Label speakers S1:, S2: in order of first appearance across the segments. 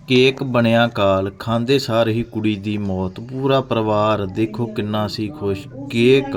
S1: Cake ਬਣਿਆ ਕਾਲ, ਖਾਂਦੇ ਸਾਰ ਹੀ ਕੁੜੀ ਦੀ ਮੌਤ। ਪੂਰਾ ਪਰਿਵਾਰ ਦੇਖੋ ਕਿੰਨਾ ਸੀ ਖੁਸ਼। ਕੇਕ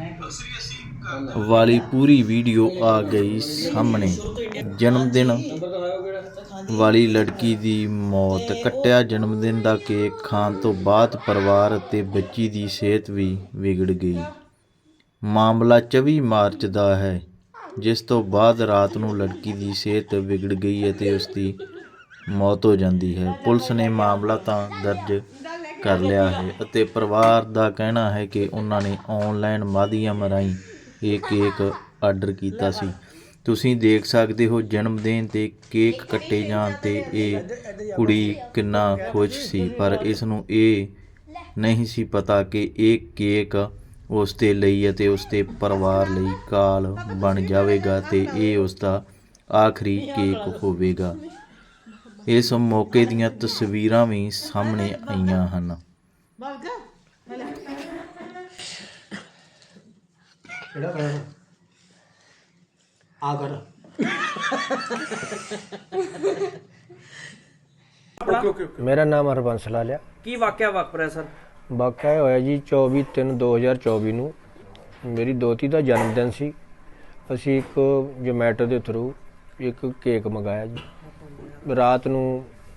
S1: ਵਾਲੀ ਪੂਰੀ ਵੀਡੀਓ ਆ ਗਈ ਸਾਹਮਣੇ। ਜਨਮ ਦਿਨ ਵਾਲੀ ਲੜਕੀ ਦੀ ਮੌਤ। ਕੱਟਿਆ ਜਨਮਦਿਨ ਦਾ ਕੇਕ ਖਾਣ ਤੋਂ ਬਾਅਦ ਪਰਿਵਾਰ ਅਤੇ ਬੱਚੀ ਦੀ ਸਿਹਤ ਵੀ ਵਿਗੜ ਗਈ। ਮਾਮਲਾ 24 ਮਾਰਚ ਦਾ ਹੈ, ਜਿਸ ਤੋਂ ਬਾਅਦ ਰਾਤ ਨੂੰ ਲੜਕੀ ਦੀ ਸਿਹਤ ਵਿਗੜ ਗਈ ਅਤੇ ਉਸ ਦੀ ਮੌਤ ਹੋ ਜਾਂਦੀ ਹੈ। ਪੁਲਿਸ ਨੇ ਮਾਮਲਾ ਤਾਂ ਦਰਜ ਕਰ ਲਿਆ ਹੈ ਅਤੇ ਪਰਿਵਾਰ ਦਾ ਕਹਿਣਾ ਹੈ ਕਿ ਉਹਨਾਂ ਨੇ ਆਨਲਾਈਨ ਮਾਧਿਅਮ ਰਾਹੀਂ ਇਹ ਕੇਕ ਆਰਡਰ ਕੀਤਾ ਸੀ। ਤੁਸੀਂ ਦੇਖ ਸਕਦੇ ਹੋ ਜਨਮ ਦਿਨ 'ਤੇ ਕੇਕ ਕੱਟੇ ਜਾਣ 'ਤੇ ਇਹ ਕੁੜੀ ਕਿੰਨਾ ਖੁਸ਼ ਸੀ, ਪਰ ਇਸ ਨੂੰ ਇਹ ਨਹੀਂ ਸੀ ਪਤਾ ਕਿ ਇਹ ਕੇਕ ਉਸ ਦੇ ਲਈ ਅਤੇ ਉਸ ਦੇ ਪਰਿਵਾਰ ਲਈ ਕਾਲ ਬਣ ਜਾਵੇਗਾ ਅਤੇ ਇਹ ਉਸ ਦਾ ਆਖਰੀ ਕੇਕ ਹੋਵੇਗਾ। ਇਸ ਮੌਕੇ ਦੀਆਂ ਤਸਵੀਰਾਂ ਵੀ ਸਾਹਮਣੇ ਆਈਆਂ ਹਨ।
S2: मेरा नाम हरबंस लाल है।
S3: ਕੀ ਵਾਕਿਆ ਵਾਪਰਿਆ ਸਰ?
S2: वाक़या होया जी 24/3/2024 ਨੂੰ ਮੇਰੀ ਦੋਤੀ ਦਾ ਜਨਮ ਦਿਨ ਸੀ। ਅਸੀਂ ਇੱਕ ਜੋਮੈਟੋ ਦੇ ਥਰੂ ਇੱਕ ਕੇਕ ਮੰਗਾਇਆ ਜੀ। ਰਾਤ ਨੂੰ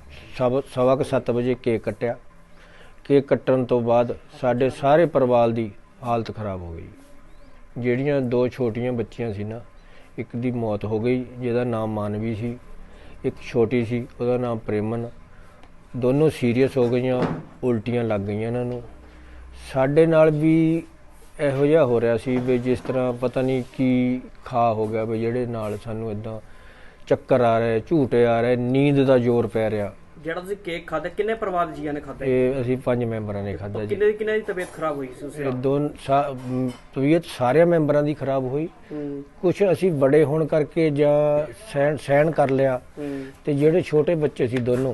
S2: 7:15 ਵਜੇ ਕੇਕ ਕੱਟਿਆ। ਕੇਕ ਕੱਟਣ ਤੋਂ ਬਾਅਦ ਸਾਡੇ ਸਾਰੇ ਪਰਿਵਾਰ ਦੀ ਹਾਲਤ ਖਰਾਬ ਹੋ ਗਈ। ਜਿਹੜੀਆਂ ਦੋ ਛੋਟੀਆਂ ਬੱਚੀਆਂ ਸੀ ਨਾ, ਇੱਕ ਦੀ ਮੌਤ ਹੋ ਗਈ ਜਿਹਦਾ ਨਾਮ ਮਾਨਵੀ ਸੀ, ਇੱਕ ਛੋਟੀ ਸੀ ਉਹਦਾ ਨਾਮ ਪ੍ਰੇਮਨ। ਦੋਨੋਂ ਸੀਰੀਅਸ ਹੋ ਗਈਆਂ, ਉਲਟੀਆਂ ਲੱਗ ਗਈਆਂ ਇਹਨਾਂ ਨੂੰ। ਸਾਡੇ ਨਾਲ ਵੀ ਇਹੋ ਜਿਹਾ ਹੋ ਰਿਹਾ ਸੀ ਵੀ ਜਿਸ ਤਰ੍ਹਾਂ ਪਤਾ ਨਹੀਂ ਕੀ ਖਾ ਹੋ ਗਿਆ ਵੀ ਜਿਹੜੇ ਨਾਲ ਸਾਨੂੰ ਇਦਾਂ ਚੱਕਰ ਆ ਰਹੇ, ਝੂਟੇ ਆ ਰਹੇ, ਨੀਂਦ ਦਾ ਜ਼ੋਰ ਪੈ ਰਿਹਾ।
S3: ਜਿਹੜਾ ਤੁਸੀਂ ਕੇਕ ਖਾਧਾ ਕਿੰਨੇ ਪਰਿਵਾਰ ਦੇ ਜੀਆਂ ਨੇ ਖਾਧਾ?
S2: ਇਹ ਅਸੀਂ 5 ਮੈਂਬਰਾਂ ਨੇ ਖਾਧਾ ਜੀ।
S3: ਕਿੰਨੇ ਦੀ ਤਬੀਅਤ ਖਰਾਬ ਹੋਈ ਸੀ ਉਸ ਰਾਤ?
S2: ਤਬੀਅਤ ਸਾਰਿਆਂ ਮੈਂਬਰਾਂ ਦੀ ਖਰਾਬ ਹੋਈ। ਕੁਛ ਅਸੀਂ ਬੜੇ ਹੋਣ ਕਰਕੇ ਜਾਂ ਸਹਿਣ ਕਰ ਲਿਆ, ਤੇ ਜਿਹੜੇ ਛੋਟੇ ਬੱਚੇ ਸੀ ਦੋਨੋਂ,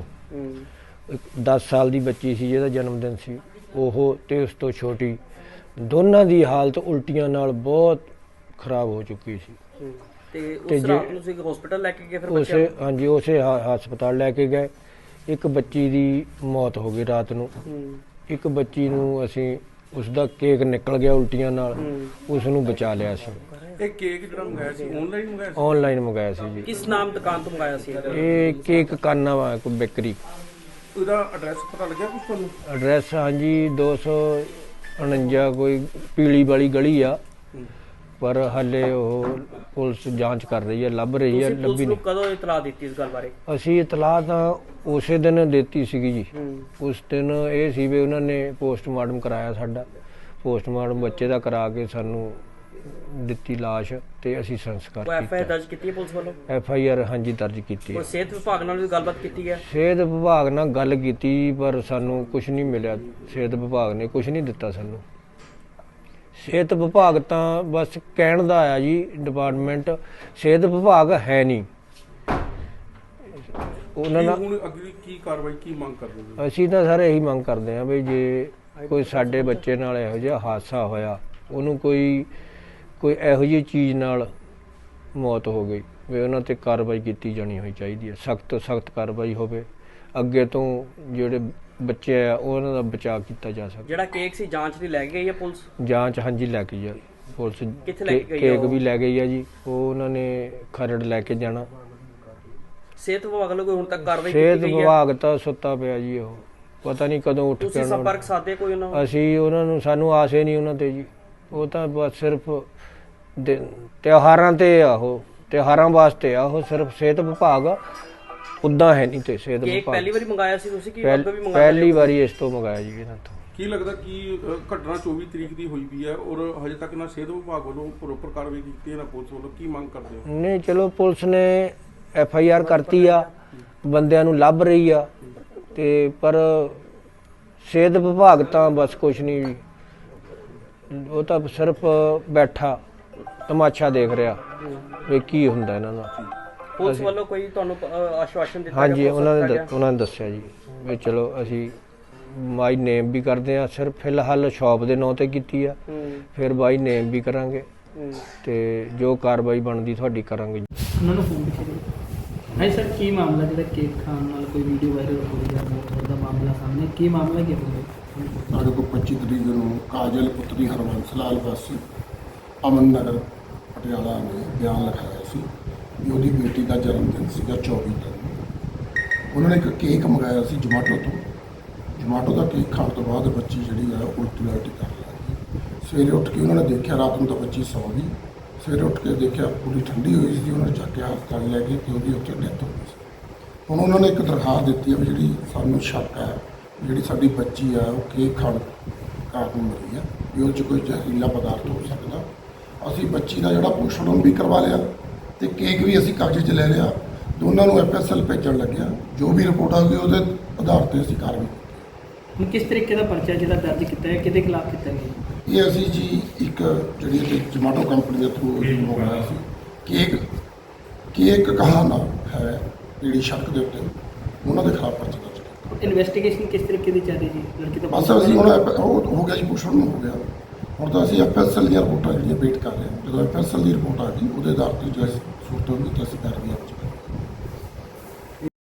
S2: 10 ਸਾਲ ਦੀ ਬੱਚੀ ਸੀ ਜਿਹਦਾ ਜਨਮ ਦਿਨ ਸੀ ਉਹ, ਤੇ ਉਸ ਤੋਂ ਛੋਟੀ, ਦੋਨਾਂ ਦੀ ਹਾਲਤ ਉਲਟੀਆਂ ਨਾਲ ਬਹੁਤ ਖਰਾਬ ਹੋ ਚੁੱਕੀ ਸੀ।
S3: ਤੇ ਉਸ ਰਾਤ ਨੂੰ ਤੁਸੀਂ ਹਸਪੀਟਲ ਲੈ ਕੇ ਗਏ? ਫਿਰ
S2: ਉਸੇ ਹਾਂਜੀ ਉਸੇ ਹਸਪਤਾਲ ਲੈ ਕੇ ਗਏ। ਇੱਕ ਬੱਚੀ ਦੀ ਮੌਤ ਹੋ ਗਈ ਰਾਤ ਨੂੰ। ਇੱਕ ਬੱਚੀ ਨੂੰ ਅਸੀਂ ਉਸ ਦਾ ਕੇਕ ਨਿਕਲ ਗਿਆ ਉਲਟੀਆਂ ਨਾਲ, ਉਸ ਨੂੰ ਬਚਾ ਲਿਆ ਸੀ।
S4: ਇਹ ਕੇਕ ਜਿਹੜਾ ਮੰਗਾਇਆ ਸੀ ਆਨਲਾਈਨ ਮੰਗਾਇਆ ਸੀ?
S2: ਆਨਲਾਈਨ ਮੰਗਾਇਆ ਸੀ ਜੀ।
S3: ਕਿਸ ਨਾਮ ਦੁਕਾਨ ਤੋਂ ਮੰਗਾਇਆ ਸੀ?
S2: ਇਹ ਕੇਕ ਕਾਨਾ ਵਾ ਕੋਈ ਬੇਕਰੀ।
S4: ਉਹਦਾ ਐਡਰੈਸ ਪਤਾ ਲੱਗਿਆ ਕੁਝ ਤੁਹਾਨੂੰ?
S2: ਐਡਰੈਸ ਹਾਂਜੀ 249 ਕੋਈ ਪੀਲੀ ਵਾਲੀ ਗਲੀ ਆ, ਪਰ ਹਾਲੇ ਉਹ ਪੁਲਿਸ ਜਾਂਚ ਕਰ ਰਹੀ ਹੈ, ਲੱਭ ਰਹੀ ਹੈ, ਲੱਭੀ ਨਹੀਂ।
S3: ਕਦੋਂ ਇਤਲਾਹ ਦਿੱਤੀ ਇਸ ਗੱਲ ਬਾਰੇ?
S2: ਅਸੀਂ ਇਤਲਾਹ ਤਾਂ ਉਸੇ ਦਿਨ ਦਿੱਤੀ ਸੀਗੀ ਜੀ। ਉਸ ਦਿਨ ਇਹ ਸੀ ਵੀ ਉਹਨਾਂ ਨੇ ਪੋਸਟਮਾਰਟਮ ਕਰਾਇਆ ਸਾਡਾ। ਪੋਸਟਮਾਰਟਮ ਬੱਚੇ ਦਾ ਕਰਾ ਕੇ ਸਾਨੂੰ ਦਿੱਤੀ ਲਾਸ਼, ਤੇ ਅਸੀਂ ਸੰਸਕਾਰ ਕੀਤਾ।
S3: ਐਫਆਈਆਰ ਦਰਜ ਕੀਤੀ ਹੈ ਪੁਲਿਸ ਵੱਲੋਂ?
S2: ਐਫਆਈਆਰ ਹਾਂਜੀ ਦਰਜ ਕੀਤੀ ਹੈ।
S3: ਸਿਹਤ ਵਿਭਾਗ ਨਾਲ ਵੀ ਗੱਲਬਾਤ ਕੀਤੀ ਹੈ?
S2: ਸਿਹਤ ਵਿਭਾਗ ਨਾਲ ਗੱਲ ਕੀਤੀ ਪਰ ਸਾਨੂੰ ਕੁਝ ਨਹੀਂ ਮਿਲਿਆ। ਸਿਹਤ ਵਿਭਾਗ ਨੇ ਕੁਝ ਨਹੀਂ ਦਿੱਤਾ ਸਾਨੂੰ। ਸਿਹਤ ਵਿਭਾਗ ਤਾਂ ਬਸ ਕਹਿਣ ਦਾ ਆਇਆ ਜੀ ਡਿਪਾਰਟਮੈਂਟ, ਸਿਹਤ ਵਿਭਾਗ ਹੈ ਨਹੀਂ। ਉਹਨਾਂ ਨਾਲ
S4: ਹੁਣ ਅਗਲੀ ਕੀ ਕਾਰਵਾਈ ਕੀ ਮੰਗ ਕਰਦੇ ਹੋ?
S2: ਅਸੀਂ ਤਾਂ ਸਰ ਇਹੀ ਮੰਗ ਕਰਦੇ ਹਾਂ ਵੀ ਜੇ ਕੋਈ ਸਾਡੇ ਬੱਚੇ ਨਾਲ ਇਹੋ ਜਿਹਾ ਹਾਦਸਾ ਹੋਇਆ, ਉਹਨੂੰ ਕੋਈ ਇਹੋ ਜਿਹੀ ਚੀਜ਼ ਨਾਲ ਮੌਤ ਹੋ ਗਈ, ਵੀ ਉਹਨਾਂ 'ਤੇ ਕਾਰਵਾਈ ਕੀਤੀ ਜਾਣੀ ਹੋਈ ਚਾਹੀਦੀ ਹੈ। ਸਖਤ ਤੋਂ ਸਖਤ ਕਾਰਵਾਈ ਹੋਵੇ, ਅੱਗੇ ਤੋਂ ਜਿਹੜੇ ਬੱਚੇ ਆ ਉਹਨਾਂ ਦਾ ਬਚਾਅ ਕੀਤਾ ਜਾ ਸਕੇ।
S3: ਜਿਹੜਾ ਕੇਕ ਸੀ ਜਾਂਚ ਲਈ ਲੈ ਕੇ ਗਈ ਹੈ ਪੁਲਿਸ?
S2: ਜਾਂਚ ਹਾਂਜੀ ਲੈ ਕੇ ਜਾ ਪੁਲਿਸ।
S3: ਕਿੱਥੇ ਲੈ ਕੇ ਗਈ?
S2: ਕੇਕ ਵੀ ਲੈ ਗਈ ਆ ਜੀ, ਉਹ ਉਹਨਾਂ ਨੇ ਖਰੜ ਲੈ ਕੇ ਜਾਣਾ।
S3: ਸਿਹਤ ਵਿਭਾਗ ਵੱਲੋਂ ਕੋਈ ਹੁਣ ਤੱਕ ਕਾਰਵਾਈ
S2: ਸਿਹਤ
S3: ਕੀਤੀ ਗਈ ਹੈ?
S2: ਵਿਭਾਗ ਤਾਂ ਸੁੱਤਾ ਪਿਆ ਜੀ, ਉਹ ਪਤਾ ਨਹੀਂ ਕਦੋਂ ਉੱਠ ਕੇ
S3: ਤੁਸੀਂ ਸੰਪਰਕ ਸਾਧੇ ਕੋਈ ਉਹਨਾਂ ਨਾਲ?
S2: ਅਸੀਂ ਉਹਨਾਂ ਨੂੰ, ਸਾਨੂੰ ਆਸ ਹੀ ਨਹੀਂ ਉਹਨਾਂ ਤੇ ਜੀ। ਉਹ ਤਾਂ ਬਸ ਸਿਰਫ ਤਿਉਹਾਰਾਂ ਤੇ ਆ, ਉਹ ਤਿਉਹਾਰਾਂ ਵਾਸਤੇ ਆ, ਉਹ ਸਿਰਫ ਸਿਹਤ ਵਿਭਾਗ ਉੱਦਾਂ ਹੈ ਨਹੀਂ। ਤੇ ਸਿਹਤ
S3: ਕੇਕ
S2: ਵਿਭਾਗ
S3: ਪਹਿਲੀ ਵਾਰੀ ਮੰਗਾਇਆ ਸੀ ਤੁਸੀਂ ਕਿ ਅੱਗੇ ਵੀ ਮੰਗਾਇਆ?
S2: ਪਹਿਲੀ ਵਾਰੀ ਇਸ ਤੋਂ ਮੰਗਾਇਆ ਜੀ ਇਹਨਾਂ ਤੋਂ।
S4: ਕੀ ਲੱਗਦਾ ਕਿ ਘਟਨਾ 24 ਤਰੀਕ ਦੀ ਹੋਈ ਵੀ ਹੈ ਔਰ ਹਜੇ ਤੱਕ ਨਾ ਸਿਹਤ ਵਿਭਾਗ ਵੱਲੋਂ ਪ੍ਰੋਪਰ ਕਾਰਵਾਈ ਕੀਤੀ ਹੈ ਨਾ ਪੁਲਿਸ ਵੱਲੋਂ? ਕੀ ਮੰਗ ਕਰਦੇ ਹੋ?
S2: ਨਹੀਂ ਚਲੋ ਪੁਲਿਸ ਨੇ ਐਫਆਈਆਰ ਕਰਤੀ ਆ, ਬੰਦਿਆਂ ਨੂੰ ਲੱਭ ਰਹੀ ਆ, ਤੇ ਪਰ ਸਿਹਤ ਵਿਭਾਗ ਤਾਂ ਬਸ ਕੁਝ ਨਹੀਂ, ਉਹ ਤਾਂ ਸਿਰਫ ਬੈਠਾ ਤਮਾਸ਼ਾ ਦੇਖ ਰਿਹਾ ਵੀ ਕੀ ਹੁੰਦਾ ਇਹਨਾਂ ਦਾ।
S3: ਪੁਲਿਸ ਵੱਲੋਂ ਕੋਈ ਤੁਹਾਨੂੰ ਆਸ਼ਵਾਸਨ ਦਿੱਤਾ?
S2: ਹਾਂਜੀ ਉਹਨਾਂ ਨੇ ਦੱਸਿਆ ਜੀ ਵੀ ਚਲੋ ਅਸੀਂ ਬਾਈ ਨੇਮ ਵੀ ਕਰਦੇ ਆ, ਸਿਰਫ ਫਿਲਹਾਲ ਸ਼ਾਪ ਦੇ ਨਾਂ ਤੇ ਕੀਤੀ ਆ, ਫਿਰ ਬਾਈ ਨੇਮ ਵੀ ਕਰਾਂਗੇ ਤੇ ਜੋ ਕਾਰਵਾਈ ਬਣਦੀ ਤੁਹਾਡੀ ਕਰਾਂਗੇ।
S5: ਉਹਨਾਂ ਨੂੰ ਫੋਨ ਕੀਤਾ। ਹਾਂਜੀ ਸਰ, ਕੀ ਮਾਮਲਾ ਜਿਹੜਾ ਕੇਕ ਖਾਣ ਨਾਲ ਕੋਈ ਵੀਡੀਓ ਵਾਇਰਲ ਹੋ ਰਹੀ ਹੈ? ਸਾਹਮਣੇ ਕੀ ਮਾਮਲਾ ਕੀ ਹੈ?
S6: ਸਾਡੇ ਕੋਲ 25 ਤਰੀਕ ਨੂੰ ਕਾਜਲ ਪੁੱਤਰੀ ਹਰਬੰਸ ਲਾਲ ਵਾਸੀ ਅਮਨ ਨਗਰ ਪਟਿਆਲਾ ਨੇ ਬਿਆਨ ਲਿਖਾਇਆ ਸੀ ਵੀ ਉਹਦੀ ਬੇਟੀ ਦਾ ਜਨਮ ਦਿਨ ਸੀਗਾ 24 ਨੂੰ। ਉਹਨਾਂ ਨੇ ਇੱਕ ਕੇਕ ਮੰਗਾਇਆ ਸੀ ਜਮਾਟੋ ਦਾ ਕੇਕ ਖਾਣ ਤੋਂ ਬਾਅਦ ਬੱਚੀ ਜਿਹੜੀ ਆ ਉਲਟੀ ਉਲਟੀ ਕਰ ਲੱਗੀ। ਸਵੇਰੇ ਉੱਠ ਕੇ ਉਹਨਾਂ ਨੇ ਦੇਖਿਆ, ਰਾਤ ਨੂੰ ਤਾਂ ਬੱਚੀ ਸੌ ਗਈ, ਸਵੇਰੇ ਉੱਠ ਕੇ ਦੇਖਿਆ ਪੂਰੀ ਠੰਡੀ ਹੋਈ ਸੀ। ਉਹਨਾਂ ਨੇ ਚੱਕ ਕੇ ਹਸਪਤਾਲ ਲੈ ਗਏ ਤੇ ਉਹਦੀ ਉੱਥੇ ਡੈਥ ਹੋ ਗਈ ਸੀ। ਹੁਣ ਉਹਨਾਂ ਨੇ ਇੱਕ ਦਰਖਾਸਤ ਦਿੱਤੀ ਹੈ ਵੀ ਜਿਹੜੀ ਸਾਨੂੰ ਸ਼ੱਕ ਹੈ ਜਿਹੜੀ ਸਾਡੀ ਬੱਚੀ ਆ ਉਹ ਕੇਕ ਖਾਣ ਕਾਰਨ ਮਰੀ ਆ, ਵੀ ਉਹ 'ਚ ਕੋਈ ਜ਼ਹਿਰੀਲਾ ਪਦਾਰਥ ਹੋ ਸਕਦਾ। ਅਸੀਂ ਬੱਚੀ ਦਾ ਜਿਹੜਾ ਪੋਸਟਮਾਰਟਮ ਵੀ ਕਰਵਾ ਲਿਆ ਤੇ ਕੇਕ ਵੀ ਅਸੀਂ ਕਬਜ਼ੇ 'ਚ ਲੈ ਲਿਆ। ਦੋਨਾਂ ਨੂੰ ਐਫਐਸਐਲ ਭੇਜਣ ਲੱਗਿਆ। ਜੋ ਵੀ ਰਿਪੋਰਟ ਆਊਗੀ ਉਹਦੇ ਆਧਾਰ ਤੇ ਅਸੀਂ ਕਾਰਵਾਈ ਕੀਤੀ।
S5: ਹੁਣ ਕਿਸ ਤਰੀਕੇ ਦਾ ਪਰਚਾ ਜਿਹੜਾ ਦਰਜ ਕੀਤਾ ਹੈ, ਕਿਹਦੇ ਖਿਲਾਫ ਕੀਤਾ ਗਿਆ?
S6: ਇਹ ਅਸੀਂ ਜੀ ਇੱਕ ਜਿਹੜੀ ਕਿ ਜਮਾਟੋ ਕੰਪਨੀ ਦੇ ਥਰੂ ਮੰਗਵਾਇਆ ਸੀ ਕੇਕ ਕਹਾਣਾ ਹੈ ਜਿਹੜੀ ਸ਼ੱਕ ਦੇ ਉੱਤੇ ਉਹਨਾਂ ਦੇ ਖਿਲਾਫ ਪਰਚਾ ਦਰਜ ਕੀਤਾ।
S5: ਇਨਵੈਸਟੀਗੇਸ਼ਨ ਕਿਸ ਤਰੀਕੇ ਦੀ ਚੱਲ ਰਹੀ ਜੀ? ਲੜਕੀ ਦਾ
S6: ਬਸ ਅਸੀਂ ਹੁਣ ਉਹ ਹੋ ਗਿਆ ਜੀ, ਪੁੱਛਣ ਨੂੰ ਹੋ ਗਿਆ। ਹੁਣ ਤਾਂ ਅਸੀਂ ਐਫਐਸਐਲ ਦੀਆਂ ਰਿਪੋਰਟਾਂ ਜਿਹੜੀਆਂ ਵੇਟ ਕਰ ਰਹੇ ਹਾਂ। ਜਦੋਂ ਐਫਐਸਐਲ ਦੀ ਰਿਪੋਰਟ ਆ ਗਈ ਉਹਦੇ ਆਧਾਰ ਤੇ ਜੋ ਸੂਰਤ ਹੋਊਗੀ ਤਾਂ ਅਸੀਂ ਕਾਰਵਾਈ